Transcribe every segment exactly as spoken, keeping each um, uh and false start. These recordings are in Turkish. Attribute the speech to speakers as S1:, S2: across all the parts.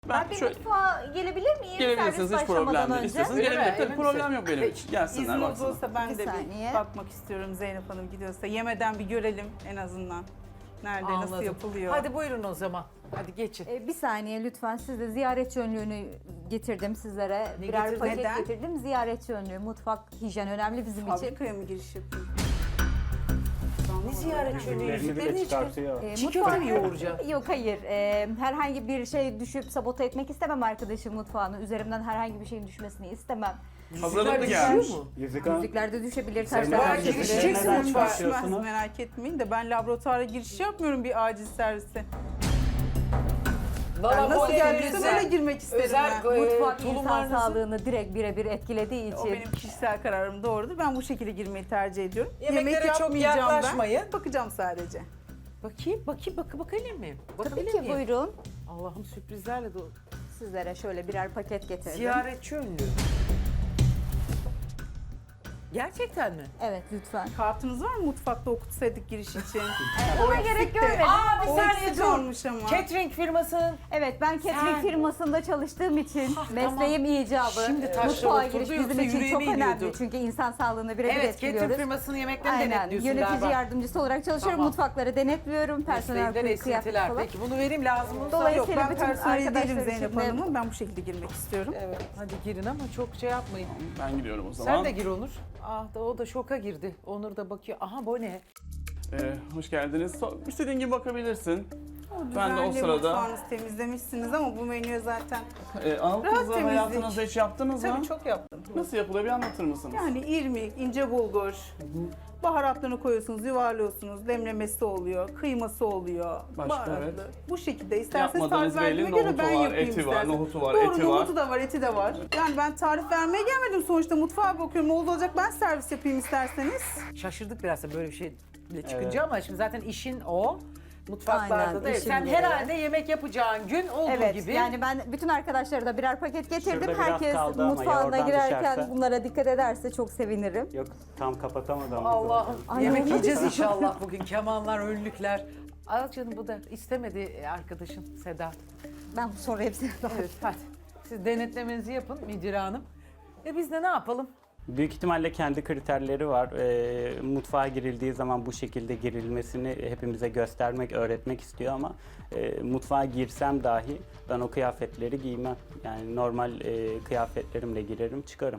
S1: Ben,
S2: Ben bir
S1: şöyle
S2: mutfağa gelebilir miyim?
S1: gelebilirsiniz,
S2: Servis
S1: hiç problem
S2: başlamadan
S1: değil.
S2: önce.
S1: İsterseniz
S3: Öyle
S1: gelebilir.
S3: mi?
S1: Tabii
S3: Emin
S1: problem
S3: misin?
S1: yok benim
S3: Peki.
S1: için. Gelsinler
S4: İzniniz
S1: baksınlar.
S4: olsa ben
S2: Bir
S4: de
S2: saniye.
S4: bir bakmak istiyorum Zeynep Hanım gidiyorsa. Yemeden bir görelim en azından. Nerede, nasıl
S3: Anladım.
S4: yapılıyor.
S3: Hadi buyurun o zaman. Hadi geçin.
S2: Ee, bir saniye lütfen, size ziyaretçi önlüğünü getirdim sizlere.
S3: Ne
S2: Birer
S3: getirdin?
S2: paket
S4: Neden?
S2: getirdim. Ziyaretçi önlüğü, mutfak hijyen önemli bizim için.
S4: Fabrikaya mı giriş yapayım?
S3: Ne ziyaret şöyle
S5: Ürünlerini
S3: yüzüklerini
S5: bile
S3: hiç göz-
S5: çıkartıyor.
S2: Ee,
S3: Çiğ
S2: mutfağa-
S3: köfte mi yoğuracağım?
S2: Yok hayır. Ee, herhangi bir şey düşüp sabote etmek istemem arkadaşım mutfağını. Üzerimden herhangi bir şeyin düşmesini istemem.
S1: Hazırlıklı
S3: Yüzükler
S1: gelmiş.
S3: düşüyor mu?
S5: Yüzük Hanım,
S2: Yüzükler de düşebilir,
S5: Sen
S2: taşlar
S3: Var,
S2: da
S5: girişeceksin.
S2: düşebilir.
S3: girişeceksin
S5: Neden
S3: mutfağa.
S5: başlıyorsunuz?
S4: Düşmez, merak etmeyin de ben laboratuvara giriş yapmıyorum bir acil servise.
S3: Valla
S4: Yani nasıl
S3: böyle
S4: geldiyse
S3: özel-
S4: böyle girmek isterim
S3: özel
S4: ben.
S3: e,
S2: Mutfak insan
S3: tulumlarınızı-
S2: sağlığını direkt birebir etkilediği
S4: O
S2: için.
S4: benim kişisel kararım doğrudur. Ben bu şekilde girmeyi tercih ediyorum.
S3: Yemeklere
S4: Yemek
S3: çok
S4: yapmayacağım
S3: yaklaşmayın.
S4: ben. Bakacağım sadece.
S3: Bakayım, bakayım, bakı bakabilir miyim?
S2: Tabii
S3: Bakabilir
S2: ki,
S3: miyim?
S2: buyurun.
S3: Allah'ım sürprizlerle dolu.
S2: Sizlere şöyle birer paket getirdim.
S3: Ziyaretçi önlüğü. Gerçekten mi?
S2: Evet lütfen.
S4: Kartınız var mı mutfakta okutsaydık giriş için?
S2: Ona gerek görmedim.
S3: Aa bir
S4: O
S3: saniye
S4: eksik
S3: dur.
S4: olmuş ama.
S3: Catering firmasının
S2: Evet, ben catering
S3: Sen-
S2: firmasında çalıştığım için
S3: Ah,
S2: mesleğim icabı.
S3: Şimdi taşlar
S2: Mutfağa
S3: oturdu,
S2: giriş
S3: yoksa
S2: bizim için çok
S3: yüreğime
S2: önemli.
S3: iniyordu.
S2: Çünkü insan sağlığını birebir
S3: evet catering
S2: etkiliyoruz.
S3: firmasının yemeklerini
S2: Aynen.
S3: denetliyorsun
S2: Yönetici
S3: galiba.
S2: yardımcısı olarak çalışıyorum.
S3: Tamam.
S2: Mutfakları denetliyorum. Personel
S3: Mesleğinden
S2: kıyafet
S3: esintiler.
S2: falan.
S3: Peki bunu vereyim lazım olursa.
S2: Dolayısıyla
S4: Yok ben
S2: bütün
S4: personeli değilim
S2: arkadaşlar
S4: Zeynep
S2: için de-
S4: Hanım'ın. Ben bu şekilde girmek istiyorum.
S3: Evet hadi girin ama çok şey yapmayın.
S1: Ben gidiyorum o zaman.
S3: Sen de gir Onur. Ah da o da şoka girdi. Onur da bakıyor. Aha bu ne?
S1: Ee, hoş geldiniz. So- İstediğin gibi bakabilirsin.
S4: O
S1: Ben de o
S4: düzenli
S1: sırada-
S4: mutfağınızı temizlemişsiniz ama bu menüye zaten
S1: Ee, Anıl
S4: Rahat
S1: kızı
S4: temizlik.
S1: hayatınızda hiç yaptınız mı?
S4: tabii çok yaptım.
S1: Nasıl yapılıyor bir anlatır mısınız?
S4: Yani irmik, ince bulgur, baharatlarını koyuyorsunuz, yuvarlıyorsunuz, demlemesi oluyor, kıyması oluyor,
S1: Başka,
S4: baharatlı.
S1: evet.
S4: Bu şekilde isterseniz
S1: Yapmadığınız
S4: tarif verdiğime
S1: belli,
S4: göre ben
S1: nohutu var,
S4: yapayım
S1: eti var,
S4: isterseniz.
S1: nohutu var,
S4: Doğru,
S1: eti var.
S4: nohutu da var, eti de var. Yani ben tarif vermeye gelmedim sonuçta, mutfağa bakıyorum. Oldu olacak ben servis yapayım isterseniz.
S3: Şaşırdık biraz da böyle bir şeyle çıkınca ama şimdi zaten işin o. Mutfaklarda
S2: Aynen,
S3: da. Evet,
S2: işim
S3: sen
S2: gereği.
S3: herhalde yemek yapacağın gün olduğu
S2: Evet,
S3: gibi.
S2: yani ben bütün arkadaşlara da birer paket getirdim.
S5: Şurada biraz
S2: Herkes
S5: kaldı ama
S2: mutfağına
S5: oradan
S2: girerken
S5: düşerse.
S2: bunlara dikkat ederse çok sevinirim.
S5: Yok tam kapatamadı ama.
S3: Allah'ım
S2: Ay,
S3: yemek
S2: olmadı.
S3: yiyeceğiz inşallah bugün. Kemanlar, önlükler. Al canım bu da istemedi arkadaşın Sedat.
S2: Ben bu soru hepsini
S3: Evet hadi. Siz denetlemenizi yapın Müdire Hanım. E biz de ne yapalım?
S5: Büyük ihtimalle kendi kriterleri var. Ee, mutfağa girildiği zaman bu şekilde girilmesini hepimize göstermek, öğretmek istiyor ama e, mutfağa girsem dahi ben o kıyafetleri giymem. Yani normal e, kıyafetlerimle girerim, çıkarım.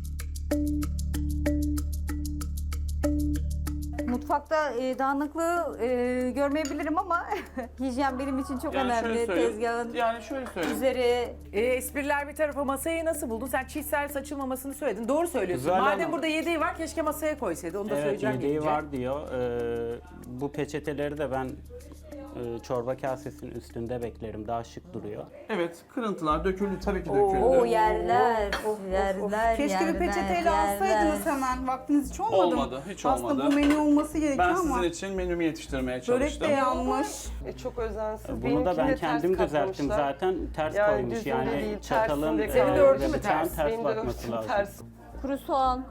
S2: Mutfakta e, dağınıklığı e, görmeyebilirim ama hijyen benim için çok
S1: Yani şöyle
S2: önemli.
S1: söyleyeyim.
S2: Tezgahın
S1: Yani şöyle söyleyeyim.
S2: üzeri
S3: E, espriler bir tarafa masayı nasıl buldun? Sen çiğ servis açılmamasını söyledin. Doğru söylüyorsun.
S5: Güzel
S3: Madem
S5: ama-
S3: burada yedeği var keşke masaya koysaydı. Onu da
S5: Evet,
S3: söyleyeceğim
S5: yedeği
S3: gelince.
S5: var diyor. Ee, bu peçeteleri de ben e, çorba kasesinin üstünde beklerim. Daha şık duruyor.
S1: Evet, kırıntılar döküldü tabii ki döküldü.
S2: o yerler, yerler,
S4: Keşke
S2: yerler,
S4: bir peçeteyle
S2: yerler.
S4: alsaydınız hemen. Vaktiniz hiç olmadı mı?
S1: Olmadı, hiç
S4: Aslında
S1: olmadı.
S4: bu menü olması gerekiyor
S1: Ben
S4: ama
S1: sizin için menümü yetiştirmeye
S4: börek
S1: çalıştım.
S4: de yanmış.
S6: E, çok özensiz.
S5: Bunu da
S6: Benimkini
S5: ben
S6: ters
S5: kendim düzelttim
S6: katlamışlar.
S5: zaten ters
S6: Yani
S5: koymuş
S6: düzgün
S5: yani
S6: değil,
S5: çatalın
S6: tersinde
S5: e,
S3: Senin de
S6: kalmış.
S3: örtü mü
S5: ve bıçağın
S3: ters?
S5: ters
S6: Benim de
S5: bakması
S6: örtüm
S5: lazım.
S6: ters.
S2: Kuru soğan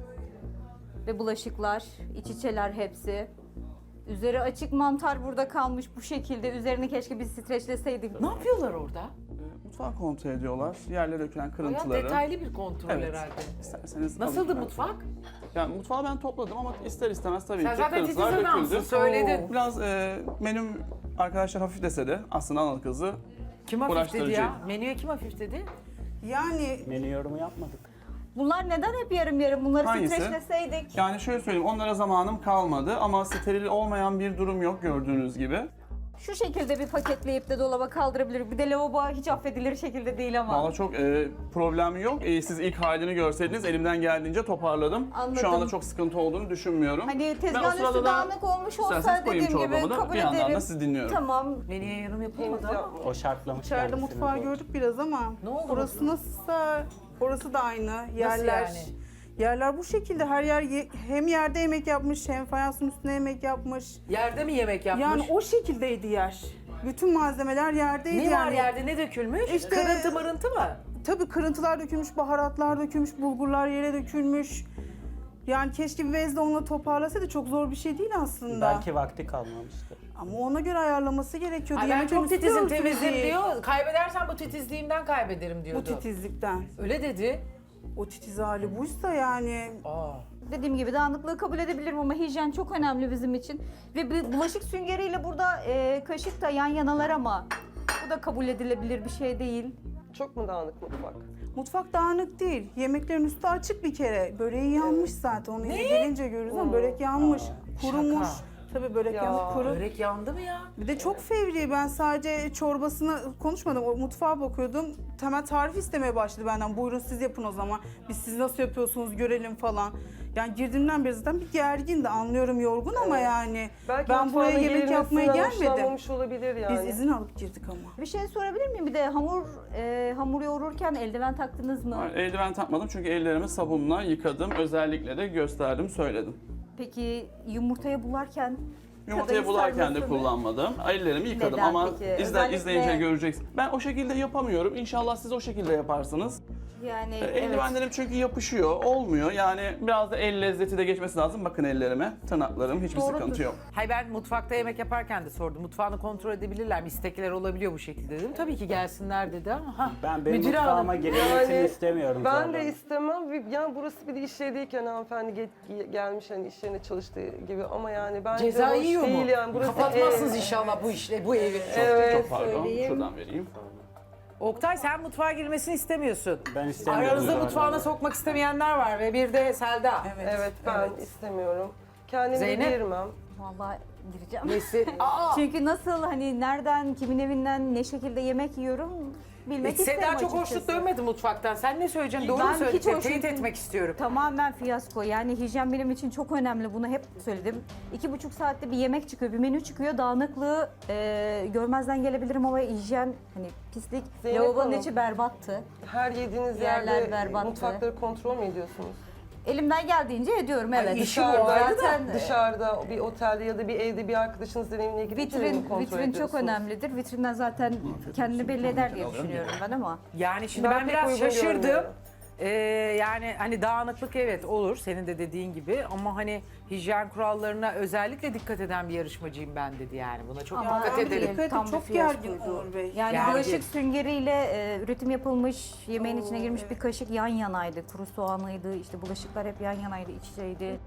S2: ve bulaşıklar, iç içeler hepsi. Üzeri açık mantar burada kalmış bu şekilde. Üzerini keşke biz streçleseydik.
S3: Ne yapıyorlar orada?
S1: Mutfağı kontrol ediyorlar. Yerlere dökülen
S3: Bayağı
S1: kırıntıları.
S3: detaylı bir kontrol
S1: Evet.
S3: herhalde.
S1: İsterseniz
S3: Nasıldı
S1: alın.
S3: mutfak?
S1: Yani mutfağı ben topladım ama ister istemez tabii
S3: Sen
S1: ki
S3: zaten titiz
S1: kırıntılar
S3: adamsın,
S1: döküldü.
S3: söyledin.
S1: Biraz e, menüm arkadaşlar hafif dese de aslında Anıl kızı
S3: Kim hafif dedi ya?
S1: Uğraştırıcıydı.
S3: Menüye kim hafif dedi?
S4: Yani
S5: Menü yorumu yapmadık.
S2: Bunlar neden hep yarım yarım? Bunları
S1: Hangisi?
S2: streçleseydik.
S1: yani şöyle söyleyeyim onlara zamanım kalmadı ama steril olmayan bir durum yok gördüğünüz gibi.
S2: Şu şekilde bir paketleyip de dolaba kaldırabilir. Bir de lavabo hiç affedilir şekilde değil ama.
S1: Valla çok e, problem yok. E, siz ilk halini görseydiniz elimden geldiğince toparladım.
S2: Anladım.
S1: Şu anda çok sıkıntı olduğunu düşünmüyorum.
S2: Hani
S1: Ben o
S2: tezgahın
S1: sırada
S2: üstü
S1: da
S2: dağınık olmuş olsa
S1: isterseniz koyayım
S2: dediğim gibi
S1: çorbamı da
S2: kabul
S1: bir yandan da
S2: ederim.
S1: sizi dinliyorum.
S2: Tamam.
S3: Menüye yorum yapılmadı
S4: Henüz
S3: ama.
S5: O şartlamış
S4: içeride
S5: kendisini
S4: mutfağı
S5: bu.
S4: gördük biraz ama
S3: Ne oldu
S4: orası nasılsa orası da aynı. Yerler
S3: yani?
S4: Yerler bu şekilde her yer ye- hem yerde yemek yapmış hem fayansın üstüne yemek yapmış.
S3: Yerde mi yemek yapmış?
S4: Yani o şekildeydi yer. Bütün malzemeler yerdeydi
S3: ne var
S4: yani.
S3: yerde, ne dökülmüş?
S4: İşte-
S3: Kırıntı mırıntı mı?
S4: Tabii kırıntılar dökülmüş, baharatlar dökülmüş, bulgurlar yere dökülmüş. Yani keşke bir bezle onunla toparlasaydı çok zor bir şey değil aslında.
S5: Belki vakti kalmamıştı.
S4: Ama ona göre ayarlaması gerekiyordu.
S3: Ay ben
S4: Yemek
S3: çok
S4: menüsü
S3: titizim,
S4: gördünüz
S3: temizim
S4: değil.
S3: diyor. Kaybedersen bu titizliğimden kaybederim
S4: Bu
S3: diyordu.
S4: titizlikten.
S3: Öyle dedi.
S4: O titiz hali buysa yani
S3: Aa.
S2: Dediğim gibi dağınıklığı kabul edebilirim ama hijyen çok önemli bizim için. Ve bir bulaşık süngeriyle burada e, kaşık da yan yanalar ama bu da kabul edilebilir bir şey değil.
S6: Çok mu dağınık mutfak?
S4: mutfak dağınık değil. Yemeklerin üstü açık bir kere. Böreği yanmış zaten. Onu gelince görürüz ama börek yanmış. Kurumuş.
S3: şaka.
S4: Tabii börek
S6: Ya,
S4: yanık kuru.
S3: Börek yandı mı ya?
S4: Bir de çok fevri. Ben sadece çorbasına konuşmadım. O mutfağa bakıyordum. Hemen tarif istemeye başladı benden. Buyurun siz yapın o zaman. Biz siz nasıl yapıyorsunuz görelim falan. Yani girdiğimden beri zaten bir gergindi. Anlıyorum yorgun ama yani.
S6: Belki
S4: ben buraya
S6: mutfağına
S4: yemek yapmaya
S6: girilmesinden
S4: gelmedim.
S6: hoşlanmamış olabilir yani.
S4: Biz izin alıp girdik ama.
S2: Bir şey sorabilir miyim? Bir de hamur e, hamur yoğururken eldiven taktınız mı?
S1: Hayır, eldiven takmadım çünkü ellerimi sabunla yıkadım. Özellikle de gösterdim, söyledim.
S2: Peki yumurtaya bularken?
S1: Yumurtayı
S2: kadayıf
S1: bularken de
S2: sarmasını-
S1: kullanmadım. Ellerimi yıkadım
S2: Neden
S1: ama
S2: peki?
S1: izle,
S2: Özellikle-
S1: izleyince göreceksin. Ben o şekilde yapamıyorum. İnşallah siz o şekilde yaparsınız.
S2: Yani
S1: E,
S2: evet.
S1: Eldivenlerim çünkü yapışıyor, olmuyor. Yani biraz da el lezzeti de geçmesi lazım. Bakın ellerime, tırnaklarım, hiçbir
S2: Doğrudur.
S1: sıkıntı yok.
S3: Hayır ben mutfakta yemek yaparken de sordum. Mutfağını kontrol edebilirler mi? İstekler olabiliyor bu şekilde dedim. Tabii ki gelsinler dedi ama. Ha,
S5: Ben benim
S3: müdür
S5: mutfağıma
S3: hanım.
S5: girilmesini
S6: Yani
S5: istemiyorum.
S6: Ben
S5: zaten.
S6: de istemem. Ve Yani burası bir de iş yerindeyken hanımefendi ge- gelmiş hani iş yerine çalıştığı gibi ama yani bence
S3: Ceza
S6: hoş
S3: yiyor mu?
S6: değil yani. Burası
S3: Kapatmazsınız
S6: ev.
S3: inşallah bu işle, bu evi.
S6: Evet.
S1: Çok pardon, şuradan vereyim.
S3: Oktay sen mutfağa girmesini istemiyorsun.
S5: Ben istemiyorum
S3: Aranızda
S5: zaten.
S3: mutfağına sokmak istemeyenler var ve bir de Selda.
S6: Evet ben istemiyorum. Kendimi
S3: Zeynep?
S6: girmem.
S2: Vallahi gireceğim.
S3: Nesi? Aa!
S2: Çünkü nasıl hani nereden, kimin evinden, ne şekilde yemek yiyorum bilmek
S3: Hiç
S2: isterim
S3: Seda çok
S2: açıkçası.
S3: hoşnut dönmedi mutfaktan. Sen ne söyleyeceksin? Doğru
S2: Ben
S3: mu
S2: hiç
S3: söyledin?
S2: hoşnut
S3: Teyit
S2: değilim.
S3: etmek istiyorum.
S2: Tamamen fiyasko. Yani hijyen benim için çok önemli. Bunu hep söyledim. İki buçuk saatte bir yemek çıkıyor, bir menü çıkıyor. Dağınıklığı e, görmezden gelebilirim ama hijyen, hani pislik.
S6: Zeynep
S2: Lavabonun
S6: Hanım.
S2: içi berbattı.
S6: Her yediğiniz
S2: Yerler
S6: yerde
S2: berbattı.
S6: mutfakları kontrol mü ediyorsunuz?
S2: Elimden geldiğince ediyorum evet.
S3: işi bu
S6: Dışarıda,
S3: arada
S2: Zaten
S6: dışarıda bir otelde ya da bir evde bir arkadaşınızın evine gidip mi
S2: vitrin
S6: kontrol
S2: vitrin çok
S6: ediyorsunuz?
S2: önemlidir. Vitrinden zaten kendini belli eder diye düşünüyorum ben ama.
S3: Yani şimdi
S6: Ben
S3: ben,
S6: pek
S3: biraz
S6: uygun
S3: şaşırdım.
S6: görmüyorum.
S3: Ee, yani hani dağınıklık evet olur senin de dediğin gibi ama hani hijyen kurallarına özellikle dikkat eden bir yarışmacıyım ben dedi yani. Buna çok
S2: Ama
S3: dikkat
S2: değil.
S3: edelim.
S4: Dikkat
S2: Tam
S4: edin,
S2: bir
S4: çok gergin
S2: fiyaskoydu.
S4: Onur Bey.
S2: Yani
S3: Gergin.
S2: bulaşık süngeriyle e, üretim yapılmış, yemeğin içine girmiş bir kaşık yan yanaydı. Kuru soğanıydı, işte bulaşıklar hep yan yanaydı, iç içeydi.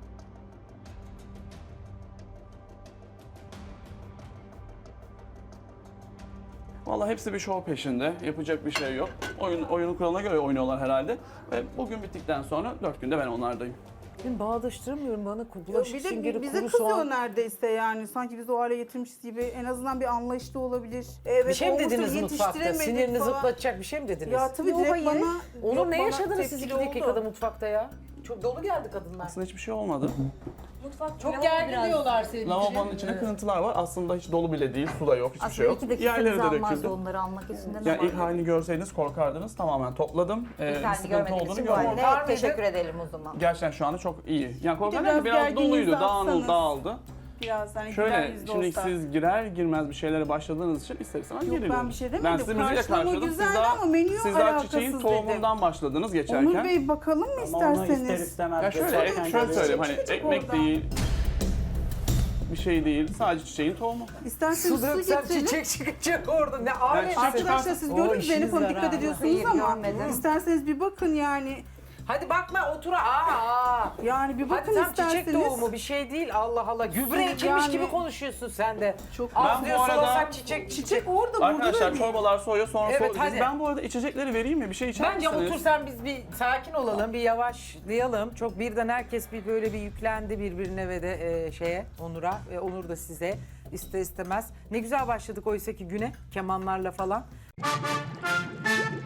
S1: Vallahi hepsi bir şov peşinde. Yapacak bir şey yok. Oyun oyunun kuralına göre oynuyorlar herhalde. Ve bugün bittikten sonra dört günde ben onlardayım.
S3: Ben bağdaştıramıyorum bana
S4: Bir
S3: bulaşık
S4: de
S3: süngeri
S4: bize
S3: kuru
S4: kızıyor
S3: soğan.
S4: neredeyse yani. Sanki biz o hale getirmişiz gibi. En azından bir anlayışlı olabilir. Evet,
S3: Bir şey mi
S4: olmuştur,
S3: dediniz mutfakta?
S4: yetiştiremedik
S3: Sinirini
S4: falan.
S3: zıplatacak bir şey mi dediniz?
S4: Ya tabii
S2: Yok,
S4: direkt
S2: hayır.
S4: bana...
S3: Onur
S4: Yok,
S3: ne
S4: bana
S3: yaşadınız siz
S4: tepkili
S3: iki
S4: oldu.
S3: dakikada mutfakta ya? Çok dolu geldi kadınlar.
S1: Aslında hiçbir şey olmadı.
S3: Çok gergin diyorlar senin için.
S1: Lavabonun içinde kırıntılar var. Aslında hiç dolu bile değil. Su da yok, hiçbir şey
S2: Aslında
S1: yok.
S2: iki dakikanızı
S1: Yerlere de
S2: almazdı
S1: döküldü.
S2: onları almak üstünden
S1: Yani
S2: ama.
S1: ilk halini görseydiniz korkardınız. Tamamen topladım. Ee,
S2: İlk
S1: bir
S2: halini
S1: sıkıntı
S2: görmediğim
S1: olduğunu
S2: için bu
S1: görmedim.
S2: halde
S3: Korkar mıydın?
S2: teşekkür edelim o zaman.
S1: Gerçekten şu anda çok iyi. Yani korkarken
S4: biraz
S1: de biraz
S4: gerginliğinizi
S1: doluydu,
S4: atsanız.
S1: dağıldı, dağıldı.
S4: Biraz hani güler
S1: Şöyle,
S4: yüzlü
S1: şimdi
S4: olsa.
S1: siz girer girmez bir şeylere başladığınız için ister istemez
S4: Yok,
S1: geriliyorum.
S4: ben bir şey demedim.
S1: Ben sizi müziğe
S4: Karşılama
S1: karşıladım.
S4: güzeldi
S1: Siz daha,
S4: ama menü
S1: siz daha
S4: alakasız
S1: çiçeğin
S4: dedim.
S1: tohumundan başladınız geçerken.
S4: Onur Bey bakalım mı
S5: Ama onu ister
S4: isterseniz?
S5: istemez.
S1: Ya şöyle,
S5: gösterken
S1: şöyle
S5: görüyoruz.
S1: söyleyeyim hani
S4: Küçük
S1: ekmek
S4: orada.
S1: değil, bir şey değil, sadece çiçeğin tohumu.
S4: İsterseniz
S3: Su
S4: su
S3: döksem
S4: getirelim.
S3: çiçek çıkacak orada. Ne alet.
S1: çiçek
S4: Arkadaşlar siz
S3: O
S4: gördünüz
S3: işiniz
S4: Zeynep Hanım
S3: var
S4: dikkat
S3: ha.
S4: ediyorsunuz
S2: Hayır,
S4: ama
S2: görmedim.
S4: isterseniz bir bakın yani.
S3: Hadi bakma otur. Aa.
S4: Yani bir
S3: Hadi
S4: bakın
S3: tam
S4: isterseniz.
S3: çiçek doğumu bir şey değil. Allah Allah. Gübre
S4: Yani-
S3: ekilmiş gibi konuşuyorsun sen de.
S4: Çok-
S3: Az
S1: Ben bu
S3: diyor
S1: arada-
S3: sulasak çiçek çiçek.
S4: Çiçek orada burada
S1: Arkadaşlar
S4: da
S1: çorbalar soğuyor sonra
S3: Evet,
S1: soğuyor. Biz-
S3: hadi.
S1: Ben bu arada içecekleri vereyim mi? Bir şey içer
S3: Bence
S1: misiniz?
S3: otursan biz bir sakin olalım, bir yavaşlayalım. Çok birden herkes bir böyle bir yüklendi birbirine ve de e, şeye, Onur'a ve Onur da size ister istemez. Ne güzel başladık oysa ki güne kemanlarla falan.